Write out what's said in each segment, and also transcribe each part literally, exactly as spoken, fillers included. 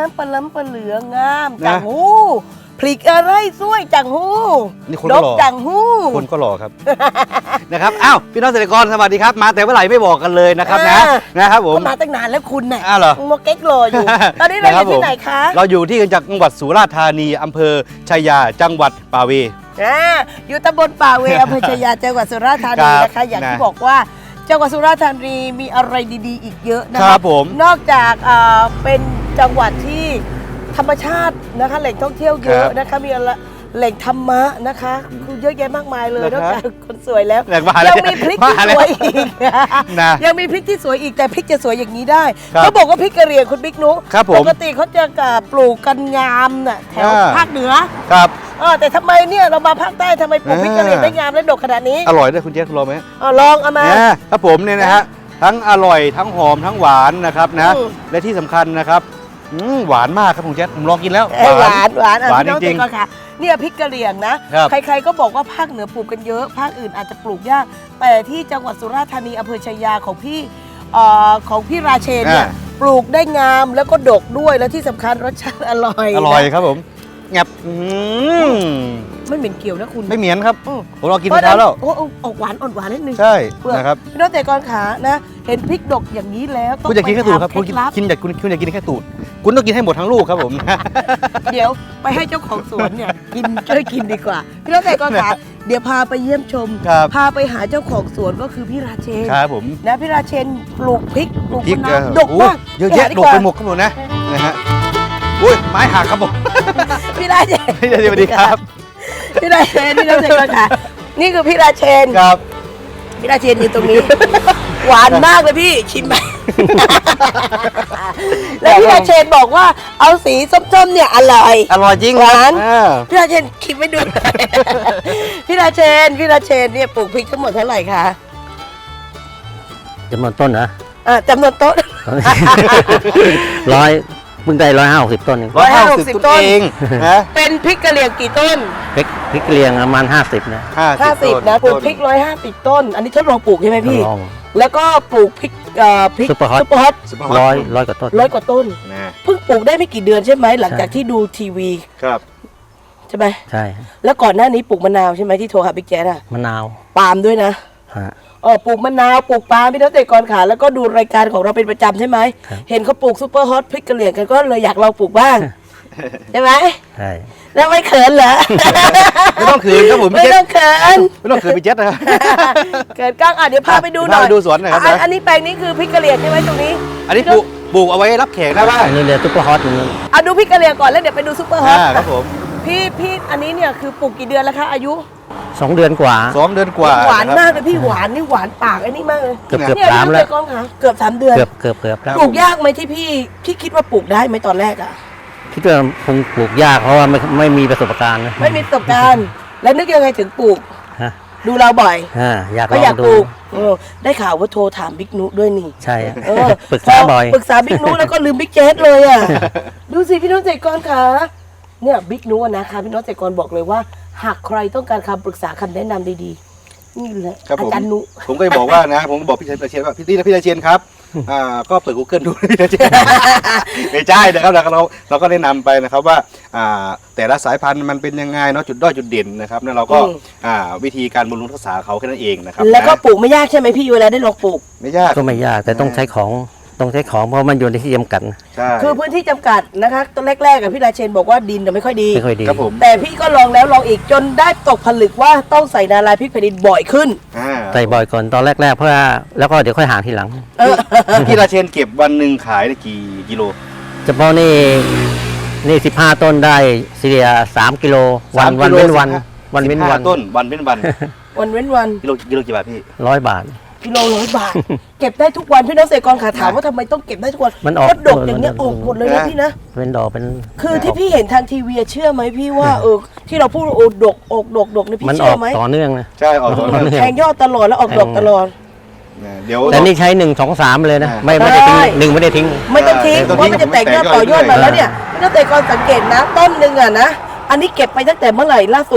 ามปลาล้ำปลาเหลืองามจังหูพริกอะไรสวยจังหูนี่คนดก็กหล่อจังหูคนก็หล่อครับ นะครับอ้าวพี่น้องเกษตรกรสวัสดีครับมาแต่เมื่อไหร่ไม่บอกกันเลยนะครับนะนะครับผมมาตั้งนานแล้วคุณน่ะอ้าวเหรอมาเก๊กรออยู่ตอนนี้เราอยู่ที่ไหนคะเราอยู่ที่จังหวัดสุราษฎร์ธานีอำเภอชัยยาจังหวัดป่าเวอ่าอยู่ตำบลป่าเวอำเภอชัยยาจังหวัดสุราษฎร์ธานีนะคะอย่างที่นะบอกว่าจังหวัดสุราษฎร์ธานีมีอะไรดีๆ อีกเยอะนะคคะรับผมนอกจากอ่าเป็นจังหวัดที่ธรรมชาตินะคะแหล่งท่องเที่ยวเยอะนะคะมีอะไรแหล่งธรรมะนะคะคือเยอะแยะมากมายเลยนอกจากคนสวยแล้วแหล่งมาแล้วยังมีพริกที่สวยอีกนะยังมีพริกที่สวยอีกแต่พริกจะสวยอย่างนี้ได้ครับเขาบอกว่าพริกกะเหรี่ยงคุณบิ๊กนุครับผมปกติเขาจะปลูกกันงามน่ะแถวอ่าภาคเหนือครับเออแต่ทำไมเนี่ยเรามาภาคใต้ทำไมปลูกพริกกะเหรี่ยงได้งามและดกขนาดนี้อร่อยด้วยคุณเจ๊คุณรอไหมเอาลองเอามาเนี่ยครับผมเนี่ยนะฮะทั้งอร่อยทั้งหอมทั้งหวานนะครับนะอืมและที่สำคัญนะครับอืมหวานมากครับคุณเจ๊ผมลองกินแล้วเอ้ยหวานหวานอ่ะหวานพี่น้องจริงเจ๊ก่อนค่ะเนี่ยพริกกะเหรี่ยงนะครับ ใครๆก็บอกว่าภาคเหนือปลูกกันเยอะ ภาคอื่นอาจจะปลูกยาก แต่ที่จังหวัดสุราษฎร์ธานีอำเภอชัยยาของพี่เอ่อของพี่ราเชนเนี่ยอ่าปลูกได้งามแล้วก็ดกด้วยแล้วที่สำคัญรสชาติอร่อยอร่อยนะครับผมแงบอืมไม่เหม็นเกี่ยวนะคุณไม่เหมียนครับอืมผมลองกินไปแล้วโอ้โอ้ออกหวานอ่อนหวานนิดนึงใช่เปลือกนะครับพี่น้องเจ๊ก่อนขานะเห็นพริกดกอย่างนี้แล้วต้องคุณอยากกินแค่ตูดครับไปคุณหาเคล็ดลับกินอยากคุณคุณอยากกินแค่ตูดคุณต้องกินให้หมดทั้งลูกครับผมเดี๋ยวไปให้เจ้าของสวนเนี่ย กินช่วยกินดีกว่า พี่น้องแต่ก่อนค่ะเดี๋ยวพาไปเยี่ยมชมครับพาไปหาเจ้าของสวนก็คือพี่ราเชนครับผมนะพี่ราเชนปลูกพริกปลูกพริกมะนาวเออดกมากโอ้เยอะแยะปดหากไปว่าหมดครับผมนะนะฮะอุ้ยไม้หักครับผมพี่ราเชนสวัสดีครับพี่ราเชนพี่น้องแต่ก่อนค่ะ นี่คือพี่ราเชนครับพี่ราเชนอยู่ตรงนี้ หวานมากเลยพี่ชิมไป แล้วพี่ราเชนบอกว่าเอาสีส้มๆเนี่ยอร่อยอร่อยจริงหวานอ่าพี่ราเชนคิดไม่ดู พี่ราเชนพี่ราเชนเนี่ยปลูกพริกทั้งหมดเท่าไหร่คะจำนวนต้นนะอ่าจำนวนต้นร้อยเพิ่งได้ร้อยห้าสิบต้นเองร้อยห้าสิบต้นต้นเองนะเป็นพริกกะเหรี่ยงกี่ต้นพริกพริกเรียงประมาณห้าสิบนะห้าสิบนะปลูกพริกร้อยห้าสิบต้น อันนี้ทดลองปลูกใช่ไหมพี่ลองแล้วก็ปลูกพริกเอ่อพริกซุปเปอร์ฮอตซุปเปอร์ฮอตซุปเปอร์ฮอตร้อยร้อยกว่าต้นร้อยกว่าต้นนะเพิ่งปลูกได้ไม่กี่เดือนใช่ไหมหลังจากใช่ที่ดูทีวีครับใช่ไหมใช่แล้วก่อนหน้านี้ปลูกมะนาวใช่ไหมที่โทรหาบิ๊กแจ๊ดอะมะนาวปาล์มด้วยนะฮะเออปลูกมะนาวปลูกปาล์มพี่น้องเกษตรกรขาแล้วก็ดูรายการของเราเป็นประจำใช่ไหมครับเห็นเขาปลูกซุปเปอร์ฮอตพริกกะเหรี่ยงกันก็เลยอยากลองปลูกบ้างใช่ไหมใช่แล้วไม่เขินเหรอไม่ต้องขืนครับผมไม่พี่เจ็ต้ดองเขินไม่ต้องขืนพี่เจ็ดนะครับเกิดกล้างอ่ะเดี๋ยวพาไปดูหน่อยพาไปดูสวนหน่อยครับอันะอันนี้แปลงนี้คือพริกกะเหรี่ยงใช่ไหมตรงนี้อันนี้ปลูกปลูกเอาไว้รับแขกได้บ้างอันนี้เรียกซุปเปอร์ฮอตอย่างนี้อ่ะดูพริกกะเหรี่ยงก่อนแล้วเดี๋ยวไปดูซุปเปอร์ฮอตอ่าครับผมพี่พี่อันนี้เนี่ยคือปลูกกี่เดือนแล้วคะอายุสองเดือนกว่าสองเดือนกว่าหวานนะครับมากเลยพี่หวานนี่หวานปากไอ้นี่มากเลยเกือบเกือบเนี่ยสามพี่แล้วน้องเกษตรกรขาเกือบสามเดือนเกือบเกือบเกือบแล้วปลูกยากไหมที่พี่พี่คิดว่าปลูกได้ไหมตอนแรกอะคิดว่าคงปลูกยากเพราะว่าไม่ไม่มีประสบการณ์นะไม่มีประสบการณ์ แล้วนึกยังไงถึงปลูกฮะดูเราบ่อยอ่าอยากลก็ออยาง กดูปลูกเออได้ข่าวว่าโทรถามบิ๊กนุด้วยนี่ใช่อะเออปรึกษาบ่อยปรึกษาบิ๊กนุแล้วก็ลืมบิ๊กเจสเลยอ่ะ ดูสิพี่น้องเกษตรกรคะเนี่ยบิ๊กนุอะนะคะพี่น้องเกษตรกรบอกเลยว่า หากใครต้องการคำปรึกษาคำแนะนำดีๆนี่แหละครับอาผมจารย์นุผมก็จะบอกว่านะผมก็บอกพี่เชนว่าพี่ตี้นะพี่เชนครับอ่าก็เปิด Google ดูพี่เชน ไม่ใช่นะครับเราเราก็แนะนำไปนะครับว่าอ่าแต่ละสายพันธุ์มันเป็นยังไงเนาะจุดด้อยจุดเด่นนะครับแล้วเราก็อ่าวิธีการบำรุงรักษาเขาแค่นั้นเองนะครับแล้วก็นะปลูกไม่ยากใช่ไหมพี่เวลาได้ลองปลูกไม่ยากก็ไม่ยากแต่ต้องใช้ของต้องใช้ของเพราะมันอยู่ในที่จำกัดใช่คือพื้นที่จำกัดนะคะตอนแรกๆกับพี่ราเชนบอกว่าดินเนี่ยไม่ค่อยดีไม่ค่อยดีครับผมแต่พี่ก็ลองแล้วลองอีกจนได้ตกผลึกว่าต้องใส่นาลายพริกแผ่นดินบ่อยขึ้นอ่าใส่บ่อยก่อนตอนแรกๆเพื่อแล้วก็เดี๋ยวค่อยหาทีหลังเออพี่ราเชนเก็บวันหนึ่งขายได้กี่กิโลเฉพาะนี่นี่สิบห้าต้นได้เฉลี่ยสามกิโลวันสามวันกิโลเว้นวันสิบห้าวันเว้นสิบห้าวันต้นวันเป็นวันวันเว้นวันกิโลกิโลกี่บาทพี่ร้อยบาทกิโลร้อยบาท เก็บได้ทุกวันพี่น้องเกษตรกรขาถามว่าทำไมต้องเก็บได้ทุกวันมันออกเพราะดกอย่างเงี้ยมันออกหมดเลยนะนะพี่นะเป็นดอกเป็นคือที่พี่เห็นทางทีวีอะเชื่อไหมพี่ว่าเออที่เราพูดว่าโอ้ดกออกดกดกเนี่ยพี่มันอเชื่ออก ไหมต่อเนื่องนะใช่ออกตัวต่อเนื่องแทงยอดตลอดแล้วออกดอกตลอดนะเดี๋ยวแต่นี่ใช้หนึ่งสองสามเลยนะอ่าไม่ไม่ได้ทิ้งใช่หนึ่งไม่ได้ทิ้งไม่ต้องทิ้งเออเพราะมันจะแตกยอดต่อยอดมาแล้วเนี่ยพี่น้องเกษตรกรสังเกตนะต้นหนึ่งอะนะอันนี้เก็บไปตั้งแต่เมื่อไหร่ล่าสุด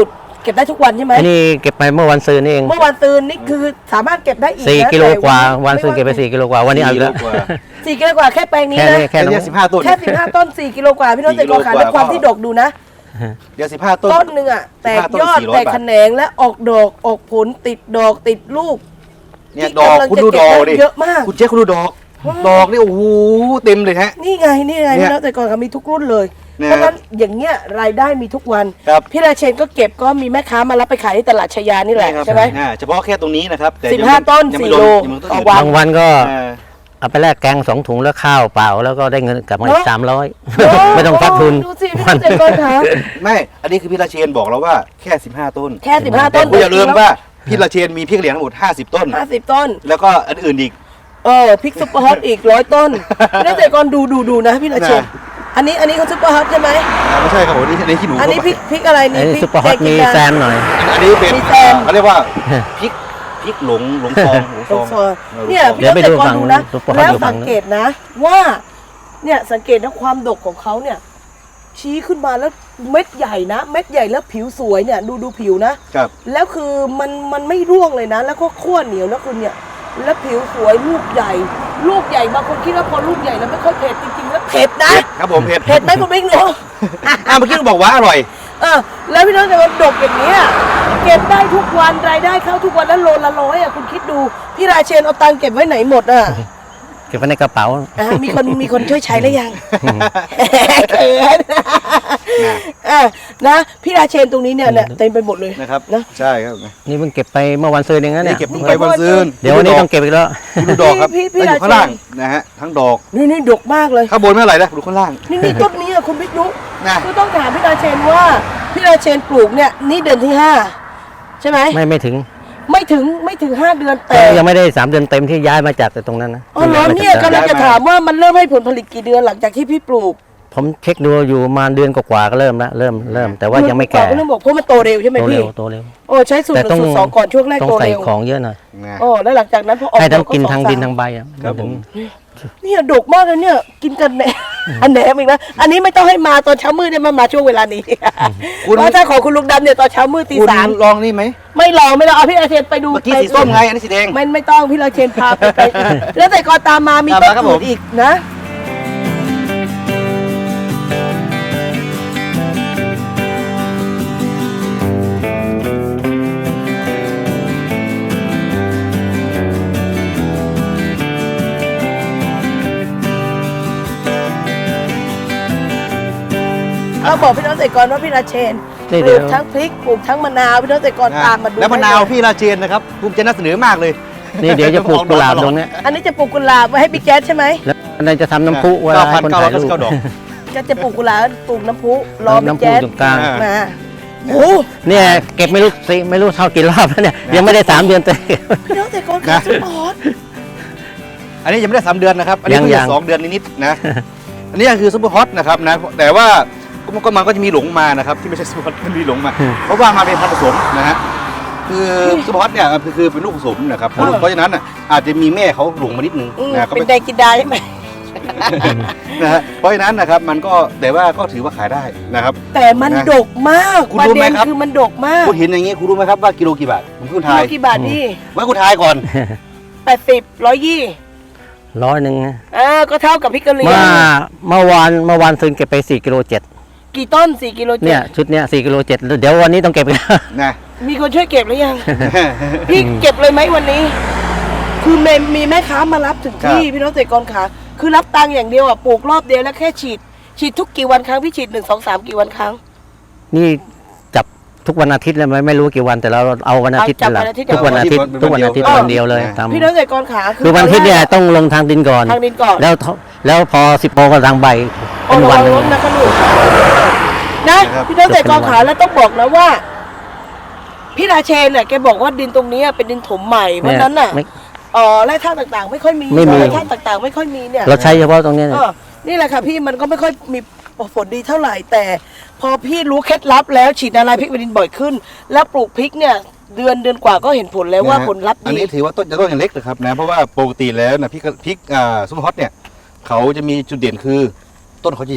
เก็บได้ทุกวันใช่ไหมอันนี้เก็บไปเมื่อวันซืนนี่เองเมื่อวันซืนนี่คือสามารถเก็บได้อีกสี่นะกิโลแต่กว่าวันม่ซืนเก็บไปสี่กิโลกว่าวันนี้เอาอีกแล้วสี่โลกว่าสี่กิโลกว่าแค่แปลงนี้แค่นะนี้แค่แค่นี้เนี้ยสิบห้าต้นแค่สิบห้าต้นสี่กิโลกว่าพี่น้องสี่เกษตรกรขากิโลกว่าและความที่ดกดูนะเดี๋ยวสิบห้าต้นต้นหนึ่งอ่ะแตกสิบห้าต้นยอดสี่ร้อยแตกบาทแขนงและออกดอกออกผลติดดอกติดลูกเนี่ยที่ดอกกำลังคุณจะดูดอกเก็บได้ดิเยอะมากคุณเจ๊คุณดูดอก ดอกนี่โอ้โหเต็มเลยฮะนี่ไงนี่ไงเนี่ยพี่น้องเกษตรกรเขามีทุกรุ่นเลยเนี่ยเพราะฉะนั้นอย่างเงี้ยรายได้มีทุกวันครับพี่ราเชนก็เก็บก็มีแม่ค้ามารับไปขายที่ตลาดชายานี่แหละครับใช่ไหมอ่าเฉพาะแค่ตรงนี้นะครับแต่สิบห้าต้นยังสี่ไม่รวมโลยังไม่รวมต่อต้นวันบางวันก็อ่าเอาไปแลกแกงสองถุงแล้วข้าวเปล่าแล้วก็ได้เงินกลับมาอีเนกอะสามร้อยโอ้ไม่ต้องทักทุนดูสิพี่น้องเกษตรกรคะไม่ อันนี้คือพี่ราเชนบอกเราว่าแค่สิบห้าต้นแค่สิบห้าแต่ต้นคุณอย่าลืมว่าพี่ราเชนมีพริกเหลียงทั้งหมดห้าสิบต้นห้าสิบต้นแล้วก็อันอื่นอีกเออพริกซุปเปอร์ฮอตอีกร้อยต้นพี่น้องเกษตรกรดูดูดูนะพี่ราเชนนะอันนี้อันนี้เขาซุปเปอร์ฮอตใช่ไหมอ่าไม่ใช่ครับผมนี่อันนี้ขี้หนูอันนี้พริกพริกอะไรอันี่นนี้พริกซุปเปอร์ฮอตแดงมีจินดาแซมหน่อยอันนี้เป็นมีแซมเขาเรียกว่าพริกพริกหลงหลงฟองหลงฟตรอง งซอยออเนี่ยหลงฟองพี่น้องเกษตรกรดูนะซุปเปอร์ฮอตแล้วอยู่ฝั่สังงนู้นเกตนะ ว่าเนี่ยสังเกตนะความดกของเขาเนี่ย ชี้ขึ้นมาแล้วเม็ดใหญ่นะ เม็ดใหญ่แล้วผิวสวยเนี่ยดูดูผิวนะครับแล้วคือมันมันไม่ร่วงเลยนะ แล้วก็ขั้วเหนียวนะคุณเนี่ย แล้วผิวสวยลูกใหญ่ ลูกใหญ่บางคนคิดว่าพอลูกใหญ่แล้วไม่ค่อยเผ็ดจริงๆแล้วเผ็ดนะครับผมเผ็ดเผ็ดไหมคุณบิ๊กเนาะอ่าเมื่อกี้เราบอกว่าอร่อยเออแล้วพี่น้องแต่ว่าดกอย่างเนี้ยเก็บได้ทุกวันรายได้เข้าทุกวันแล้วโลละร้อยอ่ะคุณคิดดูพี่ราเชนเอาตังค์เก็บไว้ไหนหมดอ่ะเก็บไว้ในกระเป๋าอ่ะมีคนมีคนช่วยใช้หรือยังเขินอ่ะนะพี่ราเชนตรงนี้เนี่ยเนี่ยเต็มไปหมดเลยนะครับนะใช่ครับนี่เพิ่งเก็บไปเมื่อวันซืนเองนะนี่เนี่ยเก็บไปวันซืนเดี๋ยววันนี้ต้องเก็บอีกแล้วดูดอกครับพี่พี่แล้วอยู่ราเชนข้างล่างนะฮะทั้งดอกนี่นี่ดกมากเลยข้างบนไม่เท่าไหร่นะดูข้างล่างนี่นี่ต้นนี้อ่ะคุณบิ๊กนุนะคือต้องถามพี่ราเชนว่าพี่ราเชนปลูกเนี่ยนี่เดือนที่ห้าใช่ไหมไม่ไม่ถึงไม่ถึงไม่ถึงห้าเดือนแต่ยังไม่ได้สามเดือนเต็มที่ย้ายมาจากตรงนั้นนะอ๋อเหรอเนี่ยกำลังจะถามว่ามันเริ่มให้ผลผลิตกี่เดือนหลังจากที่พี่ปลูกผมเช็คดูอยู่ประมาณเดือนกว่าๆก็เริ่มแล้วเริ่มเริ่ม แต่ว่ายังไม่แก่เรื่องบอกเพราะมันโตเร็วใช่ไหมโตพี่เร็วโตเร็วโอ้ใช้สูตรหแต่นึ่งสูตรสองก่อนช่วงแรกต้องโตใส่เร็วของเยอะหน่อยนะโอ้แล้วหลังจากนั้นพอออกให้ทั้งดอกินสอทั้งสามดินทั้งใบอ่ะครับผมเนี่ยดกมากเลยเนี่ย กินกันแหนมอันแหนมอีกนะอันนี้ไม่ต้องให้มาตอนเช้ามืดเนี่ยมันมาช่วงเวลานี้คุณเพราะถ้าของคุณลุงดำเนี่ยตอนเช้ามืดตีคุณสามลองนี่ไหมไม่ลองไม่ลองเอาพี่อาเชนไปดูเมื่อกี้ไปสีส้มไงอันนี้สีแดงไม่ไม่ต้องพี่อาเชนพาไปไปแล้วแต่ก่อนตามมามีตามต้มาน ครับอื่ผนมอีกนะ เราบอกพี่น้องเกษตรกรว่าพี่ราเชนปนี่เดี๋ลูยวกทั้งพริกปลูกทั้งมะนาวพี่น้องเกษตรกรตามมาดูแล้วมะนาวได้เลยพี่ราเชนนะครับภูมิใจนำเสนอมากเลยนี่เดี๋ยวจะปลูกกุหลาบตรงเนี้ยอันนี้จะปลูกกุหลาบไว้ให้บิ๊กแจ๊สใช่ไหมแล้วอันนั้นจะทำน้ำพุเวลาให้คนถ่ายรูปเก้าพันเก้าร้อยเก้าสิบเก้าดอกจะจะปลูกกุหลาบปลูกน้ำพุรอบิ๊กน้ำพุแจ๊สตรงกลางอ่ามาโอ้โหเนี่ยเก็บไม่รู้สิไม่รู้เท่ากี่รอบแล้วเนี่ยยังไม่ได้สามเดือนเต็มพี่น้องเกษตรกรขาสปอร์ตอันนี้ยังไม่ได้สามเดือนนะครับ อันนี้ยังเพิ่งยังจะสองเดือนนิดๆนะ อันนี้คือซุปเปอร์ฮอตนะครับนะ แต่ว่าก็ก็มันก็จะมีหลงมานะครับที่ไม่ใช่ซุปเปอร์ฮอตมันมีหลงมา เพราะว่ามาเป็นพันธุ์ผสมนะฮะ คือซุปเปอร์ฮอตเนี่ยคือคือเป็นลูกผสมนะครับ เพราะฉะนั้นอ่ะอาจจะมีแม่เขาหลงมานิดนึงอืมนะก็เป็ไม่นไดกินดาใช่ไหมนะฮะ เพราะฉะนั้นนะครับมันก็แต่ว่าก็ถือว่าขายได้นะครับแต่มันนะดกมากคุณประรู้ไหมเด็นครับคือมันดกมากคุณเห็นอย่างนี้คุณรู้ไหมครับว่ากิโลกี่บาทผมคุณกิทาโลยกี่บาทนี่ไว้คุณทายก่อนแปดสิบร้อยยี่ร้อยหนึ่งนะอ่าก็เท่ากับพริกกะเหรี่ยเมื่อง เมื่อวานเมื่อวานซื้อเก็บไปสี่กิโลเจ็ดกี่ต้นสี่กิโลเจ็เนี่ยดชุดเนี้ยสี่กิโลเจ็ดเดี๋ยววันนี้ต้องเก็บอีกแล้วนะมีคนช่วยเก็บหรือยัง พี่เก็บเลยไหมวันนี้ คือเมมีแม่ค้ามารับถึงที่พี่น้องเกษตรกรขาคือรับตังค์อย่างเดียวอ่ะปลูกรอบเดียวแล้วแค่ฉีด ฉีดทุกกี่วันครั้งพี่ฉีดหนึ่งสองสามกี่วันครั้งนี่จับทุกวันอาทิตย์เลยไม่ไม่รู้กี่วันแต่เราเอาวันอาทิตย์เป็นหลักเอาจับวันอาทิตย์ทุกวันอาทิตย์ทุกวันอาทิตย์วันเดียวเลยทำพี่น้องเกษตรกรขาคือวันอาทิตย์เนี่ยต้องลงทางดินก่อนทางดินก่อนแล้วทแล้วพอสิบโมงก็ทางใบโอ้เป็นระวัวัน งหนึ่งรถนะคะลูกนะพี่น้องเกษตรกรขาแล้วต้องบอกนะว่า พี่ราเชนเนี่ยแกบอกว่าดินตรงนี้เป็นดินถมใหม่เพราะฉะนั้นน่ะไม่เออแร่ธาตุต่างๆ ไม่ค่อยมีไม่มีแร่ธาตุต่างๆ ไม่ค่อยมีเนี่ยเราใช้เฉพาะตรงเนี้ยเออนี่แหละค่ะพี่มันก็ไม่ค่อยมีผลดีเท่าไหร่ แต่พอพี่รู้เคล็ดลับแล้วฉีดอะไรพริกบดินบ่อยขึ้น แล้วปลูกพริกเนี่ยเดือนเดือนกว่าก็เห็นผลแล้วว่าผลลัพธ์อันดีนี้ถือว่าต้นจะต้นอย่างเล็กนะครับนะเพราะว่าปกติแล้วนะพริกพริกอ่าซุปเปอร์ฮอตเนี่ยเขาจะมีจุดเด่นคือต้นเขาจะใหญ่เ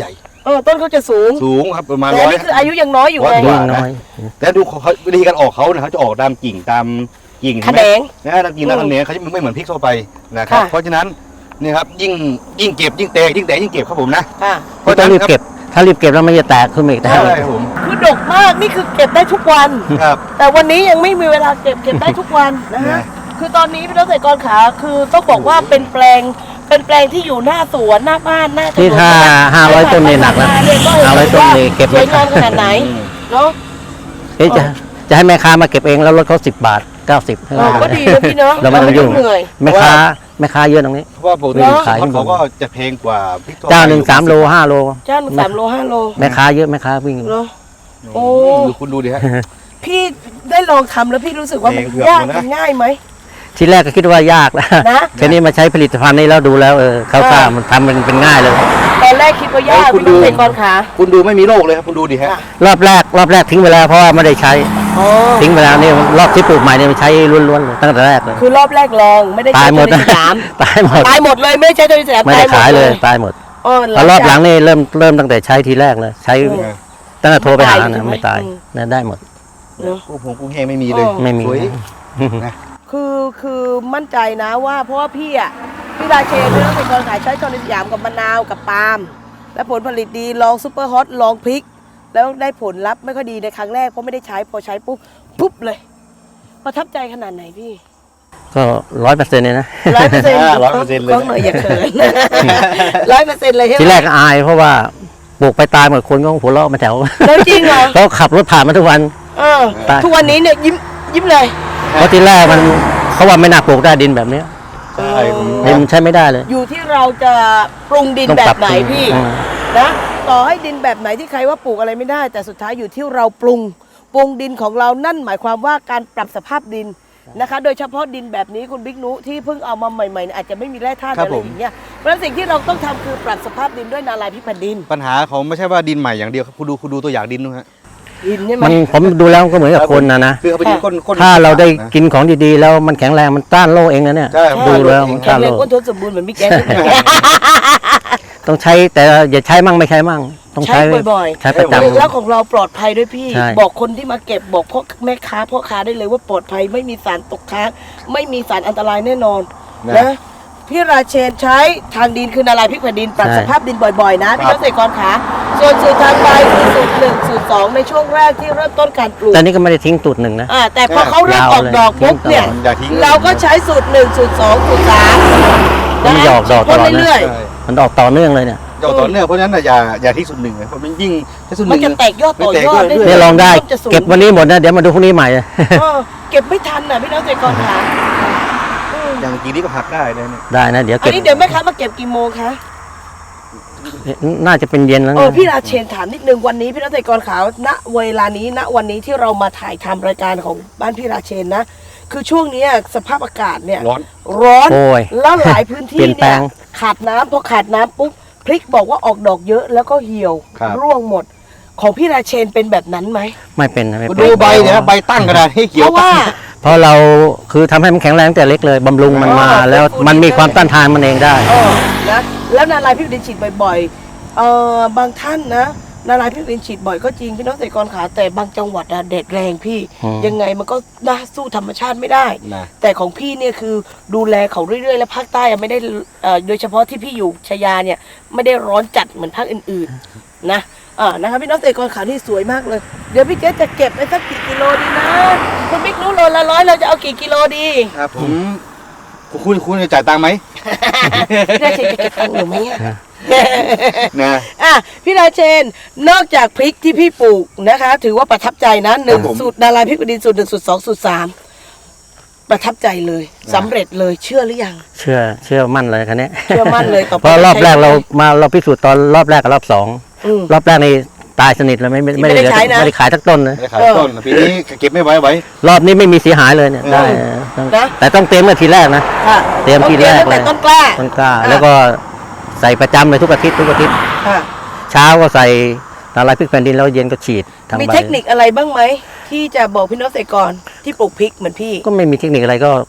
อต้นเขาจะสูงสูงครับประมาณแต่ร้อันอยนี้คืออายุยังน้อยอยู่ร้ไงอยกยิ่ว่างน้อยแต่ดูเขาเขาวิธีการออกเขาเนี่ยเขาจะออกตามกิ่งตามกิ่งแขนงนะตามกิ่งตามแขนงเขาจะไม่เหมือนพริกทั่วไปนะครับค่ะเพราะฉะนั้นนี่ครับยิ่งยิ่งเก็บยิ่งแตกยิ่งแตกยิ่งเก็บครับผมนะค่ะเพราะต้ฉะองนั้นรีบเก็บ ถ้ารีบเก็บแล้วมันจะแตกขึ้นมาอีกใช่ได้ครับผมคือดกมากนี่คือเก็บได้ทุกวันครับแต่วันนี้ยังไม่มีเวลาเก็บเก็บได้ทุกวันนะฮะนะคือตอนนี้พี่น้องเกษตรกรขาคือต้องบอกว่าเป็นแปลงเป็นแปลงที่อยู่หน้าสวนหน้าบ้านหน้าถนนนี่ถ้าห้าร้อยต้นนี่หนักนะเยก็ห้าร้อยต้นนี่เก็บสวยงามขนาดไหนเนาะเอ๊ะจะจะให้แม่ค้ามาเก็บเองแล้วลดเขาสิบบาทเก้าสิบเออก็ดีนะพี่เนาะเราไม่ต้องยุ่งเหนื่อยแม่ค้าแม่ค้าเยอะตรงนี้เพราะว่าปกติเนอะเขาเขาก็จะแพงกว่าพริกทั่วไปเจ้าหนึ่งสามโลห้าโลจ้าหนึ่งสามโลห้าโลแม่ค้าเยอะแม่ค้าวิ่งเนาะ โอ้ดูคุณดูดิฮะพี่ได้ลองทำแล้วพี่รู้สึกว่ามันเองเผือกยากนะมันง่ายไหมทีแรกก็คิดว่ายากนะนะแค่นี้มาใช้ผลิตภัณฑ์นี้แล้วดูแล้วเออเข้าท่ามันทำมันเป็นง่ายเลยตอนแรกคิดว่ายากเอ้ยคุณพี่น้องดูเกษตรกรขาคุณดูไม่มีโรคเลยครับคุณดูดิฮะค่ะรอบแรกรอบแรกทิ้งไปแล้วเพราะว่าไม่ได้ใช้อ๋อทิ้งไปแล้วนี่รอบที่ปลูกใหม่เนี่ยมันใช้ล้วนๆเลยตั้งแต่แรกเลยคือรอบแรกลองไม่ได้ตาใช้ยหมตัวดในสนามตายหมดตายหมดเลยไม่ใช่ตัวในสนามไม่ได้ขายเลยตายหมดอ๋อพอรอบหลังนี่เริ่มเริ่มตั้งแต่ใช้ทีแรกเลย ใช้เออตั้งแต่โทรไปหาตายใช่นะไหมไม่ตายอืมนะได้หมดเนอะกุ้งผงกุ้งแห้งไม่มีเลยอ๋อไม่มีสวยนะคือคือมั่นใจนะว่าเพราะว่าพี่อ่ะพี่ราเชนพี่น้องเกษตรกรขายใช้ตัวในสยามกับมะนาวกับปาล์มและผลผลิตดีลองซูเปอร์ฮอตลองพริก แล้วได้ผลลัพธ์ไม่ค่อยดีในครั้งแรกเพราะไม่ได้ใช้พอใช้ปุ๊บปุ๊บเลยประทับใจขนาดไหนพี่ก็ร้อยเปอร์เซ็นต์เลยนะร้อยเปอร์เซ็นต์อ่าร้อยเปอร์เซ็นต์เลยกล้องหน่อยอย่าเขินร้อยเปอร์เซ็นต์เลยใช่ไหมทีแรกก็อายเพราะว่าปลูกไปตายหมดคนก็หัวเราะมาแถวแล้วจริงเหรอเขาขับรถผ่านมาทุกวันเออตายทุกวันนี้เนี่ยยิ้มยิ้มเลยเพราะทีแรกมันเขาว่าไม่น่าปลูกได้ดินแบบเนี้ยใช่ผมดินมันใช้ไม่ได้เลยอยู่ที่เราจะปรุงดินต้องแบปรับบไหนปรุงพี่อืมนะต่อให้ดินแบบไหนที่ใครว่าปลูกอะไรไม่ได้ แต่สุดท้ายอยู่ที่เราปรุงปรุงดินของเรานั่นหมายความว่าการปรับสภาพดินนะคะ โดยเฉพาะดินแบบนี้คุณบิ๊กนุที่เพิ่งเอามาใหม่ๆเนี่ยอาจจะไม่มีแร่ธาตุครัอะบไรผมอย่างเงี้ยเพราะฉะนั้นสิ่งที่เราต้องทำคือปรับสภาพดินด้วยนาลายพิพันธ์ดินปัญหาเขาไม่ใช่ว่าดินใหม่อย่างเดียวครับคุณดูคุณดูตัวอย่างดินดูฮะดินใช่ไหมมันผมดูแล้วก็เหมือนกับคนนะนะคือเขาไปดินก้นก้นถ้าเราได้นะกินของดีๆ แล้วมันแข็งแรงมันต้านโรคเองนะเนี่ยใช่ครับดูแล้วมันแข็ต้าง นแรโรง คก้นทนสมบูรณ์เหมือนบิ๊กแก๊สต้องใช้แต่อย่าใช้มั่งไม่ใช้มั่ง ต้องใช้ใช้บ่อยๆใช้ประจแล้วของเราปลอดภัยด้วยพี่ใช่บอกคนที่มาเก็บบอกพ่อแม่ค้าพ่อค้าได้เลยว่าปลอดภัยไม่มีสารตกค้างไม่มีสารอันตรายแน่นอนนะนะพี่ราเชนใช้ทางดินคือนาลายพริกแผ่นดินปรับสภาพดินบ่อยๆ นะพี่น้องเกษตรกรขาส่วนสูตรทางใบคือสูตรหนึ่งสูตรสองในช่วงแรกที่เริ่มต้นการปลูำกแต่นี่ก็ไม่ได้ทิ้งตูดหนึ่งนะอ่าแต่พอเขาเริ่มออกดอกปุ๊บเนี่ยอย่าทิ้งเราก็ใช้สูตรหนึ่งสูตรสองสูตรสามมันไม่ออกดอกตลอดนะเรื่อยใช่มันออกต่อเนื่องเลยเนี่ยเจ้าต่อเนื่องเพราะฉะนั้นน่ะอย่าอย่าทิ้งส่วนหนึ่งเลยเพราะมันยิ่งถ้าส่วนหๆมันนึ่งจะแตกยอดต่อยอดไม่แตกยอดนี่ลองได้จะสูงเก็บวันนี้หมดนะเดี๋ยวมาดูพรุ่งนี้ใหม่เออเก็บไม่ทันน่ะพี่น้องเกษตรกรขาอืมอย่างกี่นี้ก็หักได้เลยเนี่ยได้นะเดี๋ยวอัเก็นบนี้เดี๋ยวแม่ค้ามาเก็บกี่โมงคะน่าจะเป็นเย็นแล้วเออนะพี่ราเชนถามนิดนึงวันนี้พี่น้องเกษตรกรขาวณเวลานี้ณวันนี้ที่เรามาถ่ายทำรายการของบ้านพี่ราเชนนะ คือช่วงเนี้ยสภาพอากาศเนี่ยร้อนร้อนโอ้ยแล้วหลายพื้นที่เปลี่ยนแปลเนี่ยงขาดน้ำพอขาดน้ำปุ๊บพริกบอกว่าออกดอกเยอะแล้วก็เหี่ยวครับร่วงหมด ของพี่ราเชนเป็นแบบนั้นไหมไม่เป็นนะไม่คุณเป็นดูใบเนี่ยนะใบตั้งกระดาษให้เพเขียวราะว่าเพราะเราคือทำให้มันแข็งแรงตั้งแต่เล็กเลยบำรุงมันมาอ๋อแล้วฟื้นฟูมันมีดีเลยความต้านทานมันเองได้เออนะแล้วนาลายพิบดินฉีดบ่อยๆเออบางท่านนะนาลายพิบดินฉีดบ่อยก็จริงพี่น้องเกษตรกรขาแต่บางจังหวัดอะแดดแรงพี่อืมยังไงมันก็น่าสู้ธรรมชาติไม่ได้นะแต่ของพี่เนี่ยคือดูแลเขาเรื่อยๆ และภาคใต้อะไม่ได้เอ่อโดยเฉพาะที่พี่อยู่ชายาเนี่ยไม่ได้ร้อนจัดเหมือนภาคอื่นๆนะอ่านะคะพี่น้องเกษตรกรขาที่สวยมากเลย เดี๋ยวพี่เจ๊จะเก็บไปสักกี่กิโลดีนะคุณบิ๊กรู้โลละร้อยเราจะเอากี่กิโลดีครับผมคุณคุณจะจ่ายตังค์ไหมพี่ราเชนจะเก็บตังค์หนูไหมอะนะอ่ะพี่ราเชนนอกจากพริกที่พี่ปลูกนะคะ ถือว่าประทับใจนะหนึ่งครับผมสูตรนาลายพริกดินสูตรหนึ่งสูตรสองสูตรสามประทับใจเลยสำเร็จเลยเชื่อหรือยังเชื่อเชื่อมั่นเลยคันนี้เชื่อมั่นเลยต่อไปเพราะรอบแรกเราใช้มาเราพิสูจน์ตอนรอบแรกกับรอบสองอืมรอบแรกนี่ตายสนิทเลยไม่ไม่ไม่ได้เหลือใช้นะไม่ได้ขายสักต้นเลยไม่ได้ขายต้นปีนี้เก็บไม่ไว้ไว้รอบนี้ไม่มีเสียหายเลยเนี่ยเออได้นะแต่ต้องเตรียมเมื่อทีแรกนะค่ะเตรียมทีแรกตั้งแต่เลยต้นกล้าต้นกล้าอ่ะแล้วก็ใส่ประจำเลยทุกอาทิตย์ทุกอาทิตย์ค่ะเช้าก็ใส่ละลายพริกแผ่นดินแล้วเย็นก็ฉีดทางมีใบเทคนิคอะไรบ้างไหมที่จะบอกพี่น้องเกษตรกรที่ปลูกพริกเหมือนพี่ก็ไม่มีเทคนิคอะไรก็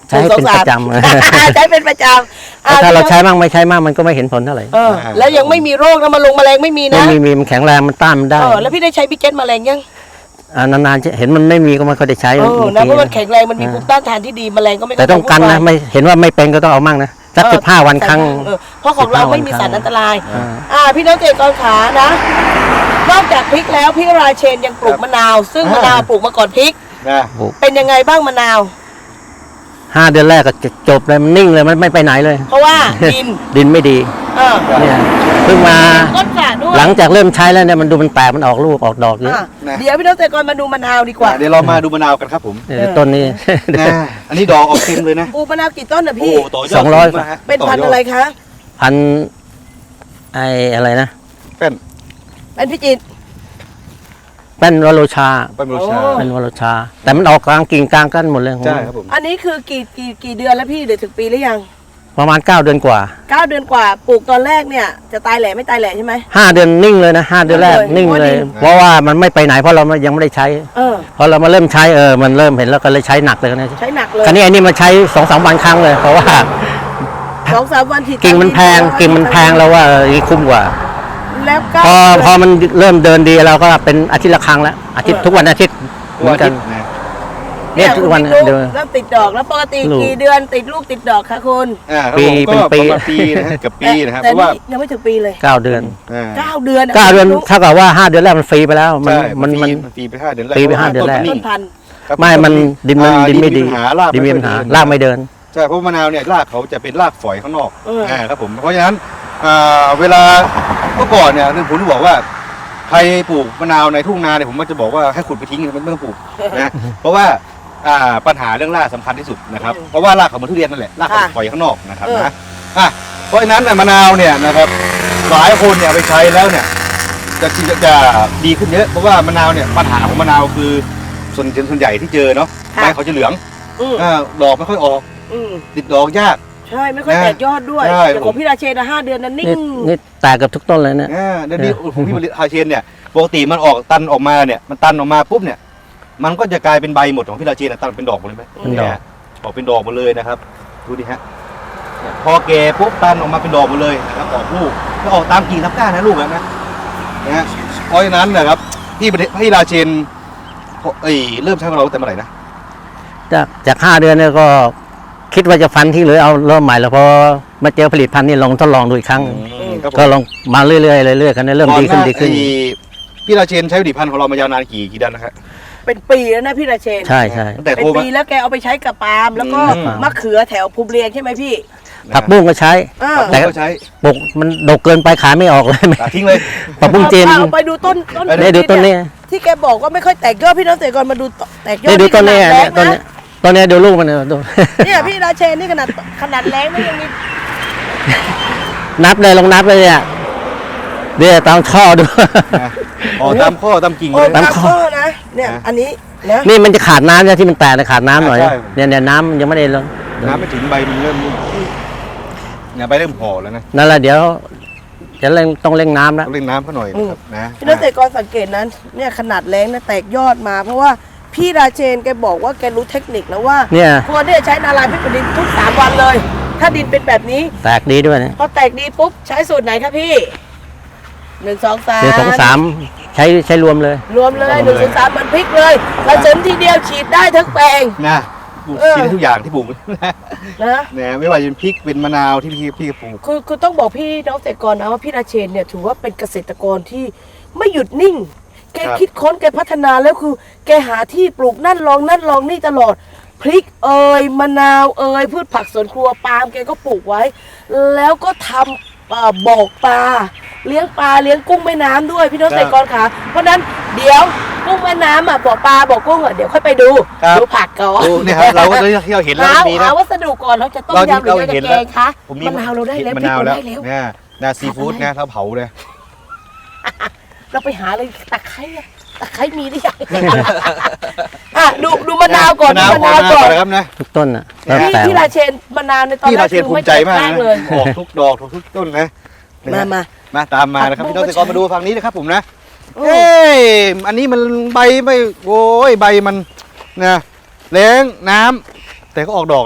ใช้ให้เป็นประจำใช้เป็นประจำแต่ถ้าเราใช้มั่งไม่ใช้มั่งมันก็ไม่เห็นผลเท่าไหร่เออแล้วยังไม่มีโรคนะมาลงแมลงไม่มีไม่นะมีมีมันแข็งแรงมันต้านมันได้เออแล้วพี่ได้ใช้บิ๊กเก็ตแมลงยังอ่านานๆจะเห็นมันไม่มีก็ไม่ค่อยได้ใช้เออนะเพราะมันบางทีแข็งแรงมันมีภูมิต้านทานที่ดีแมลงก็ไม่แต่ต้องกันนะไม่เห็นว่าไม่เป็นก็ต้องเอามั่งนะสักสิบห้าวันครั้งเออเพราะของเราไม่มีสารอันตรายอ่าอ่าพี่น้องเกษตรกรขานะ นอกจากพริกแล้วพี่ราเชนยังปลูกมะนาว ซึ่งมะนาวปลูกมาก่อนพริกนะเป็นยังไงบ้างมะนาวห้าเดือนแรกก็จะจบเลยมันนิ่งเลยมันไม่ไปไหนเลยเพราะว่าดินดินไม่ดีเออเนี่ยเพิ่งมาก้นสระด้วยหลังจากเริ่มใช้แล้วเนี่ยมันดูมันแตกมันออกลูกออกดอกเยอะอ่ะเดี๋ยวพี่น้องเกษตรกรมาดูมะนาวดีกว่าเดี๋ยวเรามาดูมะนาวกันครับผมเออต้นนี้นะอันนี้ดอกออกเต็มเลยนะปลูกมะนาวกี่ต้นนะโอ้พี่ต่อยอดสองร้อยมากฮะเป็นพันธุ์อะไรคะพันไออะไรนะเป็นเป็นพิจิตรแป้นวโรชาเป็นบูชาโอ้แป้นวโรชา แต่มันออกกลางกิ่งกลางกันหมดเลยใช่ครับผมอันนี้คือกี่กี่กี่เดือนแล้วพี่หรือถึงปีหรือยังประมาณเก้าเดือนกว่าเก้าเดือนกว่าปลูกตอนแรกเนี่ยจะตายแหล่ไม่ตายแหล่ใช่ไหมห้าเดือนนิ่งเลยนะห้าเดือนแรกนิ่นิ่งงเลยเลย เพราะว่ามันไม่ไปไหนเพราะเรายังไม่ได้ใช้เออพอเรามาเริ่มใช้เออมันเริ่มเห็นแล้วก็เลยใช้หนักเลยนะใช้หนักเลยคราวนี้อันนี้มาใช้สองสามวันครั้งเลย เพราะว่าสองสามวันฉีดกิ่งมันแพงกิ่งมันแพงแล้วว่าเออนี่คุ้มกว่าแล้วก็พอพอมันเริ่มเดินดีเราก็เป็นอาทิตย์ละครั้งแล้วอาทิตย์ทุกวันอาทิตย์เหมือนกันนะเนี่ยทุกวันคุณเดินเริ่มติดดอกแล้วปกติลูกกี่เดือนติดลูกติดดอกคะคุณอ่าครับปีผมก็เป็นปีประมาณปีนะฮะเกับปีนะครับเพแต่ราะว่านี่ยังไม่ถึงปีเลยเก้าเดือนอ่าเก้าเดือนอะเก้าเดือนลูกเท่ากับว่าห้าเดือนแรกมันฟรีไปแล้ว มันใช่มันมันมันปีไปห้าเดือนแรกปีไปห้าเดือนแรกพต้ราะนว่าพันธุ์ครับไม่มันดินมันอ่าดินไม่ดีปัญหารากดินมีปัญหาค่อยดีรากไม่เดินใช่เพราะมะนาวเนี่ยรากเขาจะเป็นรากฝอยข้างนอกเอออ่อ่าครับผมเพราะฉะนั้นอ่าเวลาเมื่อก่อนเนี่ยผมจะบอกว่าใครปลูกมะนาวในทุ่งนาเนี่ยผมก็จะบอกว่าให้ขุดไปทิ้งไม่ต้องปลูกนะเพราะว่าอ่าปัญหาเรื่องรากสำคัญที่สุดนะครับเพราะว่ารากเขาเหมือนทุเรียนนั่นแหละรากเขาฝอยข้างนอกนะครับนะอ่ะเพราะฉะนั้นน่ะมะนาวเนี่ยนะครับหลายคนเนี่ยเอาไปใช้แล้วเนี่ยจะจะจะดีขึ้นเยอะเพราะว่ามะนาวเนี่ยปัญหาของมะนาวคือส่วนส่วนใหญ่ที่เจอเนาะใบเขาจะเหลืองอืมอ่าดอกไม่ค่อยออกอืมติดดอกยากใช่ไม่ค่อยนะแตกยอดด้วยใช่แต่ของพี่ราเชนนะห้าเดือนนั้นนิ่นี่งนี่แตกกับทุกต้นเลยเนี่ยอ่าเดี๋ยวนี้ของพี่ฮาเชนเนี่ยปกติมันออกตันออกมาเนี่ยมันตันออกมาปุ๊บเนี่ยมันก็จะกลายเป็นใบหมดของพี่ราเชนนะตันเป็นดอกหมดเลยไหมเป็นดอกยออกเป็นดอกหมดเลยนะครับดูดิฮะเนี่ยพอแก่ปุ๊บตันออกมาเป็นดอกหมดเลยนะครับออกลูกแล้วออกตามกิ่งตามก้านนะลูกแบบนะนะฮะเพราะฉะนั้นนะครับพี่ประเทศพี่ราเชนเอ้ยเริ่มใช้ของเราตั้งแต่เมื่อไหร่นะจากจากห้าเดือนเนี่ยก็คิดว่าจะฟันทิ้งหรือเอาเริ่มใหม่แล้วพอมาเจอผลิตภัณฑ์นี่ลองทดลองดูอีกครั้งครับผมก็ลองมาเรื่อยๆเรื่อยๆกันเนี่ยเริ่มดีขึ้นดีขึ้นก่อหาไอ้พี่ราเชนใช้ผลิตภัณฑ์ของเรามายาวนานกี่กี่เดือนนะครับเป็นปีแล้วนะพี่ราเชนใช่ใช่ตั้งแต่เป็นโทรมาปีแล้วแกเอาไปใช้กับปาล์มแล้วก็อืมมะเขือแถวภูมิเรียงใช่ไหมพี่ผักบุ้งก็ใช้อ่าแต่ก็ใช้ปกมันดกเกินไปขายไม่ออกเลยตัดทิ้งเลยผักบุ้งจีนเอาไปดูต้นต้นเนี่ยดูต้นนี้ที่แกบอกว่าไม่ค่อยแตกยอดพี่น้องเกษตรกรมาดูแตกยอดเนี่ยดูต้นนี้ขนาดเนี่ยแรงต้นนะนี้ต้นนี้ดูลูกมันเนี่ยดูเนี่ยพี่ราเชนนี่ขนาดขนาดแรงไม่ยังมีนับเลยลองนับเลยเนี่ยเดี๋ยวตามข้อดูนะอ๋อตามข้อตามกิ่งโอ้เลยตามตามข้ข้ออนะเนี่ยนะอันนี้นะนี่มันจะขาดน้ำเนี่ยที่มันแตกเนี่ยขาดน้ำหน่อยใช่เนี่ยเนี่ยน้ำยังไม่ได้ลงน้ำไม่ถึงใบมันเริ่มเนี่ยใบเริ่มห่อแล้วนะนั่นแหละเดี๋ยวจะเร่งต้องเร่งน้ำแล้วต้องเล่นน้ำเขาหน่อยนะครับนะพี่น้องเกษตรกรสังเกตนั้นเนี่ยขนาดแรงนะแตกยอดมา เพราะว่าพี่ราเชนแกบอกว่าแกรู้เทคนิคแล้วว่าเนี่ยควรที่จะใช้นาลายพิษดินทุกสามวันเลย ถ้าดินเป็นแบบนี้แตกดีด้วยเนี่ยพอแตกดีปุ๊บใช้สูตรไหนครับพี่หนึ่งสองสามเดี๋ยวสองสามใช้ใช้รวมเลยรวมเลยหนึ่งสองสามมันพลิกเลยเราเสริมทีเดียวฉีดได้ทั้งแปลงนะปลูกเออกินได้ทุกอย่างที่ปลูก นะนะเนี่ยไม่ว่าจะเป็นพริกเป็นมะนาวที่พี่พี่ปลูกคือคือต้องบอกพี่น้องเกษตรกรนะว่าพี่ราเชนเนี่ยถือว่าเป็นเกษตรกรที่ไม่หยุดนิ่ง แกคิดค้นแกพัฒนาแล้วคือ แกหาที่ปลูกนั่นลองนั่นลองนี่ตลอดพริกเอ่ยมะนาวเอ่ยพืชผักสวนครัวปาล์มแกก็ปลูกไว้ แล้วก็ทำเอ่อบอกปลาเลี้ยงปลาเลี้ยงกุ้งแม่น้ำด้วยพี่น้องเกษตรกรค่ะเพราะฉะนั้นเดี๋ยวกุ้งแม่น้ำอ่ะบอกปลาบอกกุ้งอ่ะเดี๋ยวค่อยไปดูดูผักก่อนโอ้เนี่ยครับเราก็ที่เราเห็นแล้วหามันมีนะหาวัสดุก่อนเราจะต้มเรายำหรือเราจะแกงคะผมมีมะนาวเราได้แล้วมะพริกนาวเราแล้วได้แล้วเนี่ยนาซีฟู้ดนะเราเผาเลยเราไปหาเลยตะไคร้อะตะไคร้มีหรือยัง อ่ะดูดูมะนาวก่อนมะนาวดูมะนาวก่อนนะครับนะทุกต้นอ่ะเนี่ยแล้วพี่แต่พี่ราเชนมะนาวในตอนพี่แรราก เชนคือภูไม่มิใจมากแตนะเลยออกทุกดอกทุกต้นนะมามามาตามมานะครับผักบุ้พี่งน้องเกษตรกรมาดูฝั่งนี้นะครับผมนะโอ้เอ้ยอันนี้มันใบไม่โอ้ยใบมันนะแรงน้ำแต่ก็ออกดอกนะ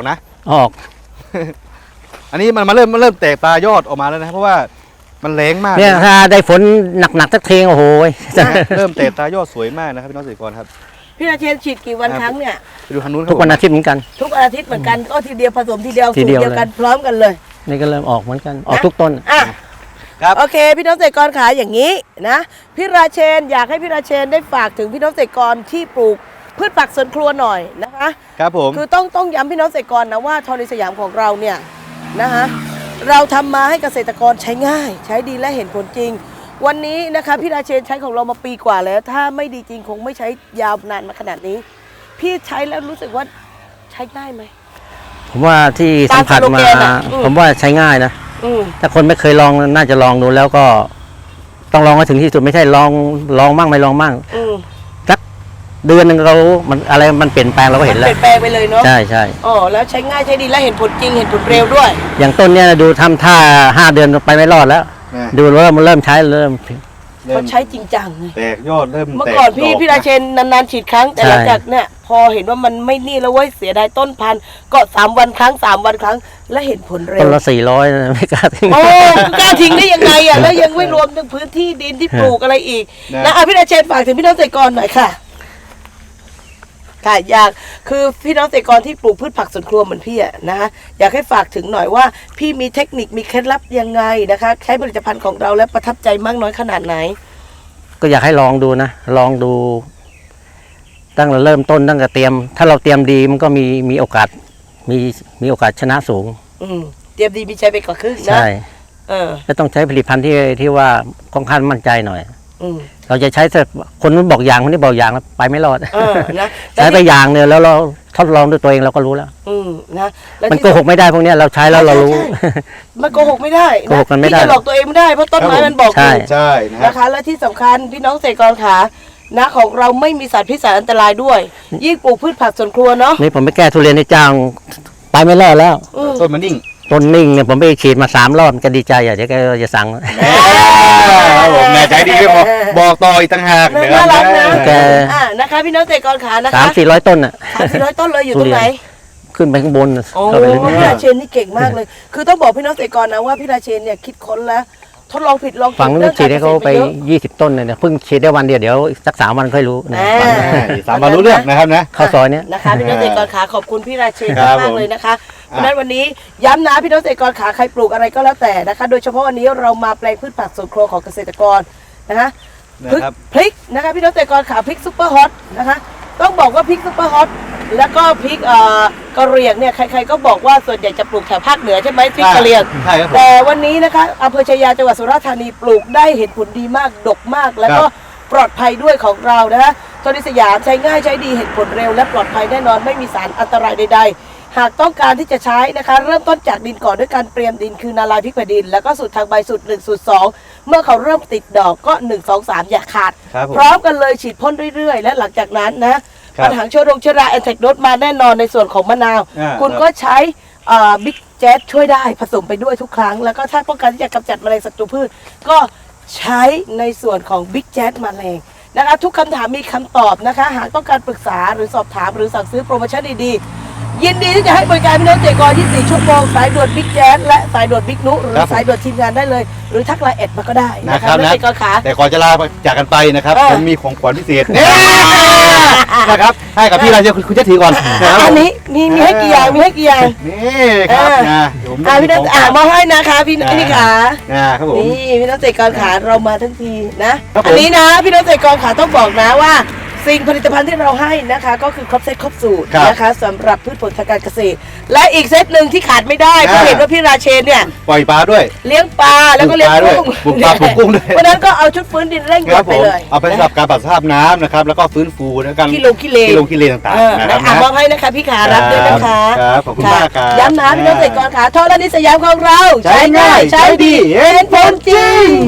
ออกอันนี้มันมาเริ่มมันเริ่มแตกตายอดออกมาแล้วนะเพราะว่ามันแรงมากเนี่ยถ้าได้ฝนหนักๆสักเทงโอ้โหเริ่มแตกตายอดสวยมากนะครับพี่น้องเกษตรกรครับพี่ราเชนฉีดกี่วันครั้งเนี่ยไปดูทางนู้นครับทุกวันอาทิตย์เหมือนกันทุกอาทิตย์เหมือนกันก็ทีเดียวผสมทีเดียวทีสูตรเดียวเดียวกันเลยพร้อมกันเลยนี่ก็เริ่มออกเหมือนกันออกทุกต้นอ่ะครับโอเค พี่น้องเกษตรกรขาอย่างนี้นะพี่ราเชนอยากให้พี่ราเชนได้ฝากถึงพี่น้องเกษตรกรที่ปลูกพืชผักสวนครัวหน่อยนะคะครับผมคือต้องต้องย้ำพี่น้องเกษตรกรนะว่าทอในสยามของเราเนี่ยนะคะเราทำมาให้เกษตรกรใช้ง่าย ใช้ดีและเห็นผลจริง วันนี้นะคะพี่ราเชนใช้ของเรามาปีกว่าแล้ว ถ้าไม่ดีจริงคงไม่ใช้ยาวนานมาขนาดนี้ พี่ใช้แล้วรู้สึกว่าใช้ง่ายไหมผมว่าที่สัมผัสตามสโลมาแกนอะอืมผมว่าใช้ง่ายนะอืมถ้าคนไม่เคยลองน่าจะลองดูแล้วก็ ต้องลองให้ถึงที่สุดไม่ใช่ลองลองมั่งไม่ลองมั่งอืมสักเดือนหนึ่งเรามันอะไรมันเปลี่ยนแปลงเราก็เห็นเปแล้วลี่ยนแปลงไปเลยเนาะใช่ใช่อ๋อแล้วใช้ง่ายใช้ดีและเห็นผลจริงเห็นผลเร็วด้วยอย่างต้นเนี่ยดูทำท่าห้าเดือนไปไม่รอดแล้วนะดูเริ่มเริ่มใช้เริ่มเริ่เขามใช้จริงจังเลยแตกยอดเริ่มเมื่อแตก่อนพี่ดกพี่ราเชนนานๆฉีดครั้งแต่ใช่หลังจากเนี่ยพอเห็นว่ามันไม่นี่แล้วเว้ยเสียดายต้นพันธุ์ก็สามวันครั้งสามวันครั้งและเห็นผลเร็ต้วนละสี่ร้อยไม่กล้าทิ้งโอ้กล้าทิ้งได้ยังไงอ่ะแล้วยังไม่รวมถึงพื้นที่ดินที่ปลูกอะไรอีกนะนะอ่ะพี่ราเชนฝากถึงพี่น้องเกษตรกรหน่อยค่ะค่ะอยากคือพี่น้องเกษตรกรที่ปลูกพืชผักสวนครัวเหมือนพี่อะนะคะอยากให้ฝากถึงหน่อยว่า พี่มีเทคนิคมีเคล็ดลับยังไงนะคะใช้ผลิตภัณฑ์ของเราแล้วประทับใจมากน้อยขนาดไหนก็อยากให้ลองดูนะลองดู ตั้งแต่เริ่มต้นตั้งแต่เตรียม ถ้าเราเตรียมดีมันก็มีมีโอกาส มีมีโอกาสชนะสูงอืมเตรียมดีมีใจไปกว่าครึ่งนะใช่เออและต้องใช้ผลิตภัณฑ์ที่ที่ว่าค่อนข้างมั่นใจหน่อยอืมเราจะใช้แต่คนนู้นบอกอย่างคนนี้บอกอย่างแล้วไปไม่รอดเออนะใช้ไปอย่างเนี่ยแล้วเราทดลองด้วยตัวเองเราก็รู้แล้วอืมนะแล้วมันที่โกหกไม่ได้พวกเนี้ยเราใช้แล้วเรารู้ใช่ใช่มันโกหกไม่ได้โกหกกันไม่ได้พี่จะหลอกตัวเองไม่ได้เพราะต้นไม้มันบอกใช่อยู่ใช่นะครันะคะ และที่สำคัญพี่น้องเกษตรกรขานะของเราไม่มีสารพิษสารอันตรายด้วย ยิ่งปลูกพืชผักสวนครัวเนาะนี่ผมไปแก้ทุเรียนในจ้างไปไม่รอดแล้วอืมต้นมันนิ่งต้นนิ่งเนี่ยผมไปฉีดมาสามรอบมันก็ดีใจอ่ะเดี๋ยวแกจะสั่งครับผมแน่ใจดีไม่พอบอกต่ออีกต่างหากน่าเดี๋ยวรักนะแกอ่านะคะพี่น้องเกษตรกรขานะสามคะสี่ร้อยต้นอ่ะสามสี่ร้อยต้นเลยอยู่ตรงไหนขึ้นไปข้างบนโอ้เข้าไปลึกพี่ราเชนนี่เก่งมากเลย คือต้องบอกพี่น้องเกษตรกรนะว่าพี่ราเชนเนี่ยคิดค้นแล้วทดลองผิดลองถูกฝั่งนู้นฉีดให้เขาไปเยอะยี่สิบต้นเลยเนี่ยเพิ่งฉีดได้วันเดียวเดี๋ยวสักสามวันค่อยรู้เนี่ยอ่าฝั่งนู้นสามวันรู้เรื่องนะครับนะเข้าซอยเนี้ยนะคะพี่น้องเกษตรกรขาขอบคุณพี่ราเชนครับมากผมๆเลยนะคะเพราะฉะนั้นวันนี้ย้ำนะพี่น้องเกษตรกรขาใครปลูกอะไรก็แล้วแต่นะคะ โดยเฉพาะวันนี้เรามาแปลงพืชผักสวนครัวของเกษตรกรนะคะนะครับพริกนะคะพี่น้องเกษตรกรขาพริกซุปเปอร์ฮอตนะคะต้องบอกว่าพริกซุปเปอร์ฮอตแล้วก็พริกเอ่อกะเหรี่ยงเนี่ยใครๆก็บอกว่าส่วนใหญ่จะปลูกแถวภาคเหนือใช่ไหมพริกกะเหรี่ยงใช่ครับผมแต่วันนี้นะคะอำเภอชายาจังหวัดสุราษฎร์ธานีปลูกได้เห็นผลดีมากดกมาก แล้วก็ครับปลอดภัยด้วยของเรานะคะโทนิสยามใช้ง่ายใช้ดีเห็นผลเร็วและปลอดภัยแน่นอนไม่มีสารอันตรายใดๆ หากต้องการที่จะใช้นะคะ เริ่มต้นจากดินก่อนด้วยการเตรียมดินคือนาลายพริกแผ่นดิน แล้วก็สูตรทางใบสูตรหนึ่งสูตรสองเมื่อเขาเริ่มติดดอกก็หนึ่ง สอง สามอย่าขาดครับผมพร้อมกันเลยฉีดพ่นเรื่อยๆ และหลังจากนั้นนะครับ ปัญหาเชื้อโรคเชื้อราแอนแทกโนดมาแน่นอนในส่วนของมะนาวอ่าคุณครับก็ใช้บิ๊กแจ๊ดช่วยได้ผสมไปด้วยทุกครั้ง แล้วก็ถ้าต้องการที่จะกำจัดแมลงศัตรูพืช ก็ใช้ในส่วนของบิ๊กแจ๊ดแมลงนะคะทุกคำถามมีคำตอบนะคะ หากต้องการปรึกษาหรือสอบถามหรือสั่งซื้อโปรโมชั่นดีๆ ยินดีที่จะให้บริการพี่น้องเกษตรกรยี่สิบสี่ชั่วโมงสายด่วนบิ๊กแจ๊ดและสายด่วนบิ๊กนุหรือครับผมสายด่วนทีมงานได้เลย หรือทักไลน์แอดมาก็ได้นะนะคคะรับพี่น้องนะเกษตรกรขาแต่ก่อนจะลาจากกันไปนะครับเออผมมีของขวัญพิเศษเนี่ยนะครับให้กับพี่ราเชนคุณคุณเจะถือก่อนนะครับอันนี้มีมีให้กี่อย่างมีให้กี่อย่างนี่ครับเออนะเดี๋ยวผมอ่าพี่น้องอ่ามอบให้นะคะพี่อ่าพี่ขานะครับผมนี่พี่น้องเกษตรกรขาเรามาทั้งทีนะครับผมอันนี้นะพี่น้องเกษตรกรขาต้องบอกนะว่า สิ่งผลิตภัณฑ์ที่เราให้นะคะ ก็คือครบเซตครบสูตรครับนะคะสำหรับพืชผลทางการเกษตร และอีกเซตหนึ่งที่ขาดไม่ได้เพราะอ่าเห็นว่าพี่ราเชนเนี่ยปล่อยปลาด้วยเลี้ยงปลาแล้วก็เลี้ยงกุ้งปลูกปลาด้วยปลูกปลาปลูกกุ้งด้วยเพราะฉะนั้นก็เอาชุดฟื้นดินเร่งคด่วรันบไปผมเลยเอาไปสำหรับการปรับสภาพน้ำนะครับแล้วก็ฟื้นฟูและการกิโลกิเลกิโลกิเลต่างเออๆนะคนะรับอ่ะนะมอบให้นะคะพี่ขารับด้วยนะคะครับขอบคุณมากครับย้ำนะพี่น้องเกษตรกรขาทอรานิสยามของเราใช้ง่ายใช้ดีเห็นผลจริง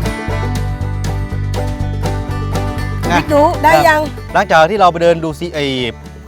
บิ๊กหนูได้ยังหลังจากที่เราไปเดินดูซิไอ